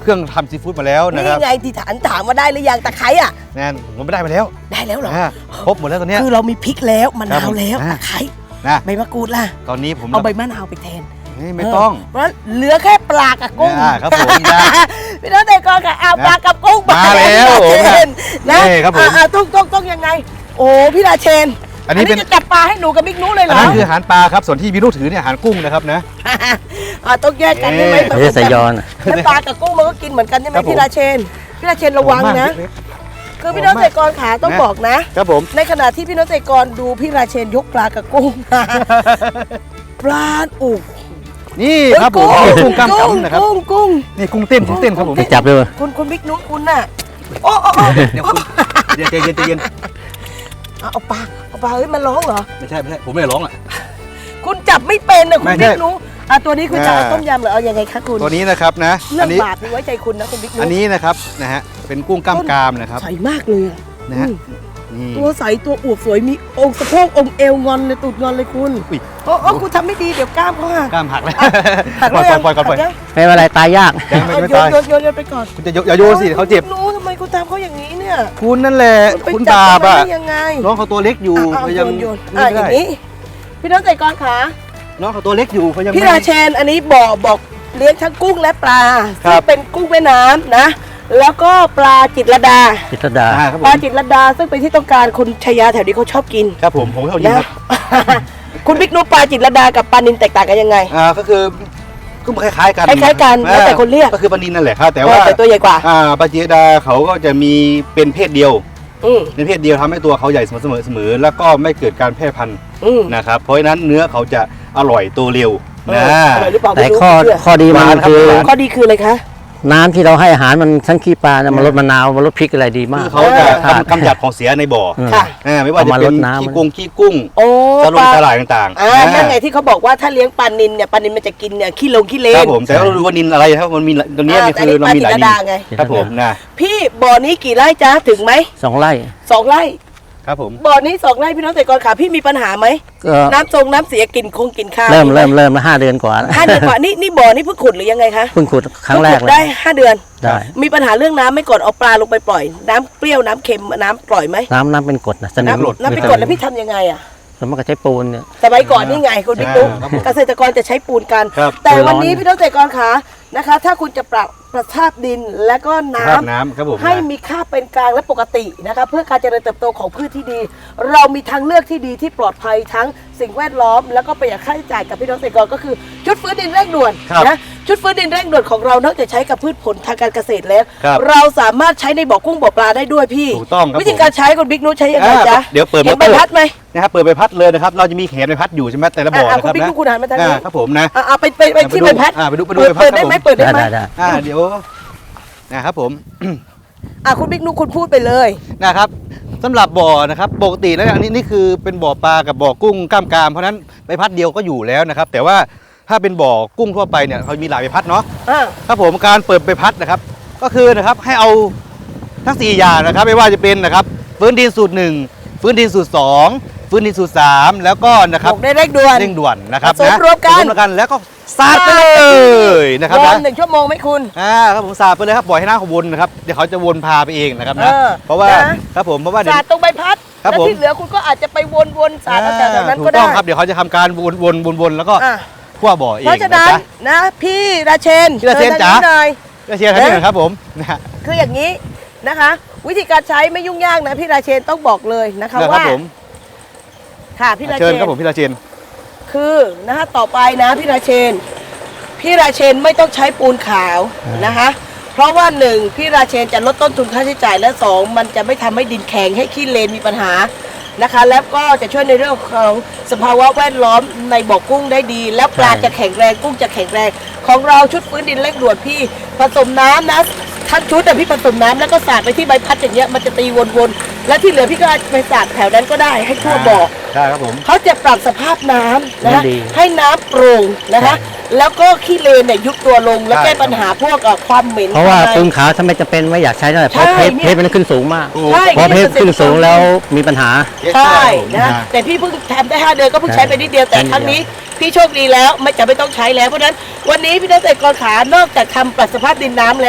เครื่องทำซีฟู้ดมาแล้วนะนี่ครับไงที่ฐานถามว่าได้หรือยังตะไคร้อ่ะแน่นผมไม่ได้ไปแล้วได้แล้วเหรออ่าครบหมดแล้วตอนเนี้ยคือเรามีพริกแล้วมะครันาบวผมแล้วอ่าตะไคร้นะใบมะกรูดล่ะตอนนี้ผมเอาใบมะนาวไปแทนเฮ้ยไม่ต้องเพราะฉะนั้นเหลือแค่ปลากับกุ้งอ่าครับผมนะพี่น้องแต่ก่อนค่ะเอาปลากับกุ้งมาแล้วพี่ราเชนนะนี่ครับผมอ่าๆต้องต้องต้องยังไง โอ้พี่ราเชนอันนี้เป็นจะจับปลาให้หนูกับบิ๊กนุเลยเหรอันอนั้นคืออาหารปลาครับส่วนที่พี่นุถือเนี่ยอาหารกุ้งนะครับนะอ่าต้องแยกกันใช่ไหมเอ๊ะไม่ใช่สายอนแล้วปลากับกุ้งมันก็กินเหมือนกันใช่ไหมครับผมพี่ราเชนพี่ราเชนระวังนะเล็กคือพี่น้องแต่ก่อนขาต้องนะบอกนะๆครับผมในขณะที่พี่น้องแต่ก่อนดูพี่ราเชนยกปลากับกุ้ง ปลาอุกนี่ครับผมกุ้งกล้ามกำนะครับกุ้งกุ้งนี่กุ้งเต้นกุ้งเต้นครับผมไปจับด้วยคุณคุณบิ๊กนุคุณน่ะโอ้โอ้โอ้เดี๋ยวคุณเดี๋ยวใจเย็นใจเย็นเอาเอาปลาเอาปลาเฮ้ยมันร้องเหรอไม่ใช่ไม่ใช่ผมไม่ได้ร้องอ่ะคุณจับไม่เป็นนะคุไม่ณใช่บิ๊กนุอ่ะตัวนี้คุณจะเอาอ่าต้มยำหรือเอายังไงคะคุณตัวนี้นะครับนะเรื่อัอน งนี้บาปนี่ไว้ใจคุณนะคุณบิ๊กนุอันนี้นะครับนะฮะเป็นกุ้งกล้ามกรามนะครับใสมากเลยอ่ะนะฮะอืมนี่ตัวใสตัวอวบสวยมีองค์สะโพกองค์เอวงอนเลยตูดงอนเลยคุณอุ๊ยโอ้โอ้คุณทำไม่ดีเดี๋ยวกล้ามเขาหักกล้ามหักแล้วหักปล่แล้อยว ปล่อยปล่อยก่อนปล่อยหักยังไม่เป็นไรตายยากยังไม่เอาไม่โยนตายโยนโยนโยนไปก่อนคุณจะยกอย่าโยนสิเขาเจ็บรู้ทำไมคุณทำเขาอย่างนี้เนี่ยคุณนั่นแหละไปคุณจับาปเขอ่ะได้ยังไงน้องเขาตัวเล็กอยู่อ่ะเขาเอาโยยังนโยนไม่อ่ะอได้ย่างนี้ พี่น้องใจกรขาน้องเขาตัวเล็กอยู่เขายังพี่ไม่ราเชนอันนี้บอกบอกเลี้ยงทั้งกุ้งและปลาครัซึ่บงเป็นกุ้งแม่น้ำนะ แล้วก็ปลาจิตรลดาจิตรดาอ่าครับผปลาม จิตรลดาซึ่งเป็นที่ต้องการคนชายาแถวนี้เขาชอบกินครับผมผมเขายิงนะครับ คุณบิ๊กนุปลาจิตรลดากับปลานินแตกต่างกันยังไงอ่าก็คือก็คล้ายๆกันคล้ายๆกันแล้วแต่คนเรียกก็คือปลานินนั่นแหละครับแต่เอว่าอแต่ตัวใหญ่กว่าอ่าปลาจีดาเขาก็จะมีเป็นเพศเดียวอืมเป็นเพศเดียวทำให้ตัวเขาใหญ่เสมอเสมอเสมอแล้วก็ไม่เกิดการแพร่พันธุ์อืมนะครับเพราะฉะนั้นเนื้อเขาจะอร่อยโตเร็วเอนะออร่อยหรือเปล่าแต่ไม่รู้ข้อเชื่อข้อดีมันหวานครับคือหวานข้อดีคืออะไรคะน้ำที่เราให้อาหารมันทั้งขี้ปลาเนี่ยมันลดมะนาวมันลดพริกอะไรดีมาคืกอเขาจะค่ะกำกำจัดของเสียในบ่ออืมค่ะอ่าไม่ว่าจะเอามาเป็นรดน้ำขี้กุ้งขี้กุ้งโอ้สลปงลาสลายต่างๆอ่าอ่านั่นไงที่เขาบอกว่าถ้าเลี้ยงปลานินเนี่ยปลานินมันจะกินเนี่ยขี้ลงขี้เลครันบผมแต่ว่าเราดูว่านินอะไรครับมันมีตัวเนี้ยอ่านี่คือเรามีหลายแต่นินี่ปลาจิตรลดาไงนครับผมนะพี่บ่อนี้กี่ไร่จ๊ะถึงไหมสองไร่สองไร่ครับผมบ่อนี้สองไร่พี่น้องเกษตรกรขาพี่มีปัญหาไหมก็น้ำทรงน้ำเสียกลิ่นคงกลิ่นข้าวเริ่มไหเริ่มเริ่มมาห้าเดือนกว่าห้าเดือนกว่านี่นี่บ่อนี่เพิ่งขุดหรือยังไงคะเพิ่งขุดครั้งแรกเพิ่ขุดเลได้ยห้าเดือนได้มีปัญหาเรื่องน้ำไหม่ก่อนเอาปลาลงไปปล่อย น้ำเปรี้ยวน้ำเค็มน้ำปล่อยไหมน้ำน้ำเป็นกรดนะสนิมน้ำน้ำไปกดแล้วพี่ทำยังไงอ่ะแล้วมันก็ใช้ปูนเนี่ยสมัยก่อนนี่ไงคุณบิ๊กตุ๊กครับผมเกษตรกรจะใช้ปูนกันครับแต่ปูนร้อนวันนี้พี่น้องเกษตรกรขานะคะ ถ้าคุณจะปรับประภาพดินและก็น้ภาพน้ำครับผมำให้มีค่าเป็นกลางและปกตินะคะเพื่อการเจริญเติบโตของพืชที่ดี เรามีทางเลือกที่ดีที่ปลอดภัยทั้งสิ่งแวดล้อม แล้วก็ประหยัดค่าใช้จ่ายกับพี่น้องเกษตรกรก็คือชุดฟื้นดินเร่งด่วนครับนะชุดฟื้นดินเร่งด่วนของเรานอกจากใช้กับพืชผลทางการเกษตรแล้วครับเราสามารถใช้ในบ่อกุ้งบ่อปลาได้ด้วยพี่ถูกต้องครับวิธีการใช้คุณบิ๊กนุชใช้ยังไงอ่าจ๊ะเดี๋ยวเปิดเห็นมอใบเตอร์พัดไหมนะครับเปิดใบพัดเลยนะครับเราจะมีแขนใบพัดอยู่ใช่ไหมแต่ละบ่ออ่ะนะคคุรัณบบิ๊กนะนุชคุณหันมาทางนี้อ่าครับผมนะอ่ะเอาไปไปไปที่ใบพัดอ่าไปดูไปดูเปิดใบพัดเปิดได้ไหมครับผมเปิดได้ได้ไหมได้ได้อ่าเดี๋ยวนะครับผมอ่ะคุณบิ๊กนุชคุณพูดไปเลยนะครับสำหรับบ่อนะครับปกติแล้วอันนี้นี่คือเป็นบ่อปลากับบ่อกุ้งกล้ามกรามเพราะฉะนั้นใบพัดเดียวก็อยู่แล้วนะครับแต่ว่าถ้าเป็นบ่อกุ้งทั่วไปเนี่ยเขามีหลายใบพัดเนาะอ่ะครับผมการเปิดใบพัดนะครับ ก็คือนะครับให้เอาทั้งสี่อย่างนะครับไม่ว่าจะเป็นนะครับฟื้นดินสูตรหนึ่งฟื้นดินสูตรสองฟื้นดินสูตรสามแล้วก็นะครับบอกได้เร่งด่วนเร่งด่วนนะครับผสมนะรวมกันผสมรวมกันแล้วก็สาดไปเลยนะครับรอนะหนึ่งชั่วโมงไหมคุณอ่าครับผมสาดไปเลยครับปล่อยให้น้ำเขาวนนะครับเดี๋ยวเขาจะวนพาไปเองนะครับนะเออเพราะว่านะครับผมเพราะว่าเดี๋ยวสาดตรงใบพัดครับแล้วผมที่เหลือคุณก็อาจจะไปวนๆสาดเอาแต่แถวนั้นถูก็กต้ได้องครับเดี๋ยวเขาจะทำการวนวนวนวนแล้วก็อ่ะคั่วบ่อเองเพราะฉะนั้นจ๊นะพี่ราเชนพี่ราเชนชิญจ๋าทงหน่อยก็เชียร์ท่านนี้หน่อยครับผมนะฮะคืออย่างนี้นะคะ วิธีการใช้ไม่ยุ่งยากนะพี่ราเชนต้องบอกเลยนะคะนะครัว่าบผมค่ะพี่ราเชิเชญนครับผมพี่ราเชนคือนะคะต่อไปนะพี่ราเชน พี่ราเชนไม่ต้องใช้ปูนขาวนะคะ เพราะว่าหนึ่งพี่ราเชนจะลดต้นทุนค่าใช้จ่ายและสองมันจะไม่ทำให้ดินแข็งให้ขี้เลนมีปัญหานะคะ แล้วก็จะช่วยในเรื่องของสภาวะแวดล้อมในบ่อกุ้งได้ดี แล้วปลาใช่จะแข็งแรงกุ้งจะแข็งแรงของเราชุดฟื้นดินเร่งด่วนพี่ผสมน้ำนะทั้งชุดแต่พี่ผสมน้ำแล้วก็สาดไปที่ใบพัดอย่างเงี้ยมันจะตีวนๆแล้วที่เหลือพี่ก็ไปสาดแถวนั้นก็ได้ให้ทั่วบ่อใช่ครับผมเขาจะปรับสภาพน้ำนะคะดีให้น้ำโปร่งนะคะ แล้วก็ขี้เลนเนี่ยยุบตัวลงแล้วใช่แก้ปัญหาพวกเอ่อความเหม็นเพราะว่าภยในปูนขาวถ้าไม่จำเป็นไม่อยากใช้เท่าไหร่เพราะใช่เพชรเนี่ยเพชรมันขึ้นสูงมากใช่พอเพชรขึ้นสูงแล้วมีปัญหาใช่นะนะแต่พี่เพิ่งทำได้ห้าเดือนก็เพิ่งใช้ไปนิดเดียวแต่ใช่ครั้งนี้พี่โชคดีแล้วไม่จะไม่ต้องใช้แล้วเพราะฉะนั้นวันนี้พี่นักเกษตรกรขานอกจากทำปรับสภาพดินน้ำแล้ว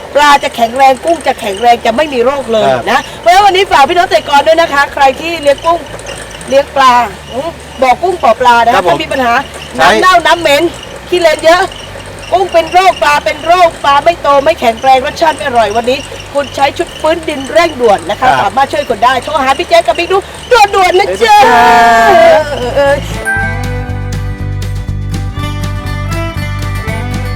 ปลาจะแข็งแรงกุ้งจะแข็งแรงจะไม่มีโรคเลยครับนะเพราะฉะนั้นวันนี้ฝากพี่น้องเกษตรกรด้วยนะคะ ใครที่เลี้ยงกุ้งเลี้ยงปลาอืมบอกกุ้งปอปลานะครัคะบผมถ้ามีปัญหาใช่น้ำเน่าน้ำเหม็นขี้เลนเยอะกุ้งเป็นโรคปลาเป็นโรคปลาไม่โตไม่แข็งแรงรสชาติไม่อร่อยวันนี้ คุณใช้ชุดฟื้นดินเร่งด่วนนะคะครับสามารถช่วยคนได้โทรหาพี่แจ๊คกับบิ๊กดูด่วนๆนะจ๊ะได้เลยครับเออเออ